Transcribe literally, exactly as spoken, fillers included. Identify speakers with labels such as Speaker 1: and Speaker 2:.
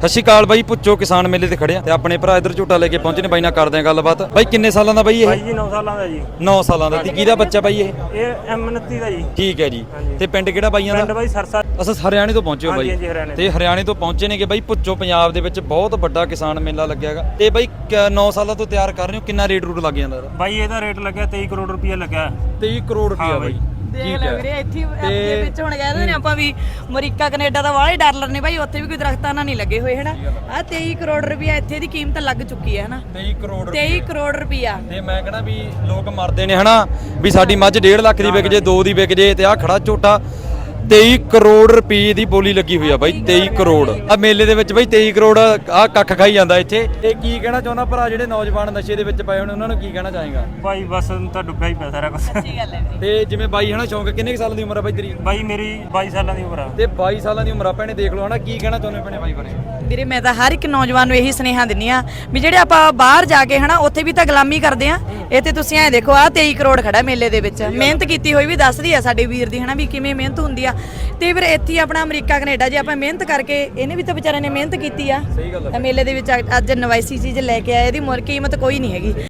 Speaker 1: ਸਤਿ ਸ਼੍ਰੀ ਅਕਾਲ ਬਾਈ, ਪੁੱਛੋ ਕਿਸਾਨ ਮੇਲੇ ਤੇ ਖੜਿਆ ਤੇ ਆਪਣੇ ਭਰਾ ਇਧਰ ਝੋਟਾ ਲੈ ਕੇ ਪਹੁੰਚੇ ਨੇ। ਬਾਈ ਨਾਲ ਕਰਦੇ ਆ ਗੱਲਬਾਤ। ਬਾਈ ਕਿੰਨੇ ਸਾਲਾਂ ਦਾ ਬਾਈ ਇਹ?
Speaker 2: ਬਾਈ ਜੀ ਨੌ ਸਾਲਾਂ ਦਾ ਜੀ।
Speaker 1: ਨੌ ਸਾਲਾਂ ਦਾ। ਤੇ ਕਿਹਦਾ ਬੱਚਾ ਬਾਈ ਇਹ?
Speaker 2: ਇਹ ਐਮ ਉਨੱਤੀ ਦਾ ਜੀ।
Speaker 1: ਠੀਕ ਹੈ ਜੀ। ਤੇ ਪਿੰਡ ਕਿਹੜਾ ਬਾਈਆਂ ਦਾ?
Speaker 2: ਪਿੰਡ ਬਾਈ ਸਰਸਾ।
Speaker 1: ਅਸਾਂ ਹਰਿਆਣੇ ਤੋਂ ਪਹੁੰਚੇ ਹੋ ਬਾਈ?
Speaker 2: ਹਾਂਜੀ ਹਰਿਆਣੇ।
Speaker 1: ਤੇ ਹਰਿਆਣੇ ਤੋਂ ਪਹੁੰਚੇ ਨੇ ਕਿ ਬਾਈ ਪੁੱਛੋ ਪੰਜਾਬ ਦੇ ਵਿੱਚ ਬਹੁਤ ਵੱਡਾ ਕਿਸਾਨ ਮੇਲਾ ਲੱਗਿਆਗਾ। ਤੇ ਬਾਈ ਨੌ ਸਾਲਾਂ ਤੋਂ ਤਿਆਰ ਕਰ ਰਹੇ ਹੋ, ਕਿੰਨਾ ਰੇਟ ਰੂਟ ਲੱਗ ਜਾਂਦਾ?
Speaker 2: ਬਾਈ ਇਹਦਾ ਰੇਟ ਲੱਗਿਆ ਤੇਈ ਕਰੋੜ ਰੁਪਇਆ ਲੱਗਿਆ।
Speaker 1: ਤੇਈ ਕਰੋੜ ਰੁਪਇਆ ਬਾਈ।
Speaker 3: ਦੇਖ ਲੈ ਵੀਰੇ, ਇੱਥੇ ਦੇ ਵਿੱਚ ਹੁਣ ਕਹਿੰਦੇ ਨੇ ਆਪਾਂ ਵੀ ਅਮਰੀਕਾ ਕੈਨੇਡਾ ਦਾ ਵਾਲੇ ਡਾਲਰ ਨੇ ਬਾਈ, ਉੱਥੇ ਵੀ ਕੋਈ ਦਰਖਤਾਂ ਨਾਲ ਨਹੀਂ ਲੱਗੇ ਹੋਏ ਹਨਾ। ਆ ਤੇਈ ਕਰੋੜ ਰੁਪਇਆ ਇੱਥੇ ਦੀ ਕੀਮਤ ਲੱਗ ਚੁੱਕੀ ਹੈ ਹਨਾ।
Speaker 1: ਤੇਈ ਕਰੋੜ
Speaker 3: ਤੇਈ ਕਰੋੜ ਰੁਪਇਆ।
Speaker 1: ਤੇ ਮੈਂ ਕਹਿੰਦਾ ਵੀ ਲੋਕ ਮਰਦੇ ਨੇ ਹਨਾ ਵੀ ਸਾਡੀ ਮੱਝ ਡੇਢ ਲੱਖ ਦੀ ਵਿਕ ਜੇ, ਦੋ ਦੀ ਵਿਕ ਜੇ, ਤੇ ਆ ਖੜਾ ਝੋਟਾ ਤੇਈ ਕਰੋੜ ਰੁਪਏ ਦੀ ਬੋਲੀ ਲੱਗੀ ਹੋਈ ਆ ਬਾਈ। ਤੇਈ ਕਰੋੜ ਆ ਮੇਲੇ ਦੇ ਵਿੱਚ ਬਾਈ। ਤੇਈ ਕਰੋੜ ਆ ਕੱਖ ਖਾਈ ਜਾਂਦਾ ਇੱਥੇ। ਤੇ ਕੀ ਕਹਿਣਾ ਚਾਹੁੰਦਾ ਭਰਾ ਜਿਹੜੇ ਨੌਜਵਾਨ ਨਸ਼ੇ ਦੇ ਵਿੱਚ ਪਏ ਹੋਣ, ਉਹਨਾਂ ਨੂੰ ਕੀ ਕਹਿਣਾ ਚਾਹੇਗਾ?
Speaker 2: ਬਾਈ ਬਸ ਤਾਂ ਡੁੱਬਿਆ ਹੀ ਪਿਆ ਸਾਰਾ ਕੁਝ।
Speaker 3: ਸੱਚੀ ਗੱਲ ਹੈ ਵੀਰੇ।
Speaker 1: ਤੇ ਜਿਵੇਂ ਬਾਈ ਹਨਾ ਸ਼ੌਂਕ, ਕਿੰਨੇ ਸਾਲਾਂ ਦੀ ਉਮਰ ਆ ਬਾਈ ਤੇਰੀ?
Speaker 2: ਬਾਈ ਮੇਰੀ ਬਾਈ ਸਾਲਾਂ ਦੀ ਉਮਰ ਆ।
Speaker 1: ਤੇ ਬਾਈ ਸਾਲਾਂ ਦੀ ਉਮਰ ਆ ਭੈਣੇ, ਦੇਖ ਲਓ ਹਨਾ। ਕੀ ਕਹਿਣਾ ਚਾਹੁੰਦੇ ਭੈਣੇ ਬਾਈ ਬਾਰੇ?
Speaker 3: ਵੀਰੇ ਮੈਂ ਤਾਂ ਹਰ ਇੱਕ ਨੌਜਵਾਨ ਨੂੰ ਇਹੀ ਸੁਨੇਹਾ ਦਿੰਨੀ ਆ ਵੀ ਜਿਹੜੇ ਆਪਾਂ ਬਾਹਰ ਜਾ ਕੇ ਹਨਾ ਉੱਥੇ ਵੀ ਤਾਂ ਗੁਲਾਮੀ ਕਰਦੇ ਆ। ਇੱਥੇ ਤੁਸੀਂ ਐ ਦੇਖੋ, ਆ ਤੇਈ ਕਰੋੜ ਖੜਾ ਮੇਲੇ ਦੇ ਵਿੱਚ। ਮਿਹਨਤ ਕੀਤੀ ਹੋਈ ਵੀ ਦੱਸਦੀ ਆ ਸਾਡੇ ਵੀਰ ਦੀ ਹਨਾ ਵੀ ਕਿਵੇਂ ਮਿਹਨਤ ਹੁੰਦੀ ਆ। ਤੇ ਫਿਰ ਇੱਥੇ ਆਪਣਾ ਅਮਰੀਕਾ ਕੈਨੇਡਾ ਜੇ ਆਪਾਂ ਮਿਹਨਤ ਕਰਕੇ, ਇਹਨੇ ਵੀ ਤਾਂ ਵਿਚਾਰੇ ਨੇ ਮਿਹਨਤ ਕੀਤੀ ਆ।
Speaker 1: ਸਹੀ ਗੱਲ ਆ।
Speaker 3: ਮੇਲੇ ਦੇ ਵਿੱਚ ਅੱਜ ਨਵਾਈਸੀ ਚੀਜ਼ ਲੈ ਕੇ ਆਏ, ਇਹਦੀ ਮੁੱਲ ਕੀਮਤ ਕੋਈ ਨਹੀਂ ਹੈਗੀ।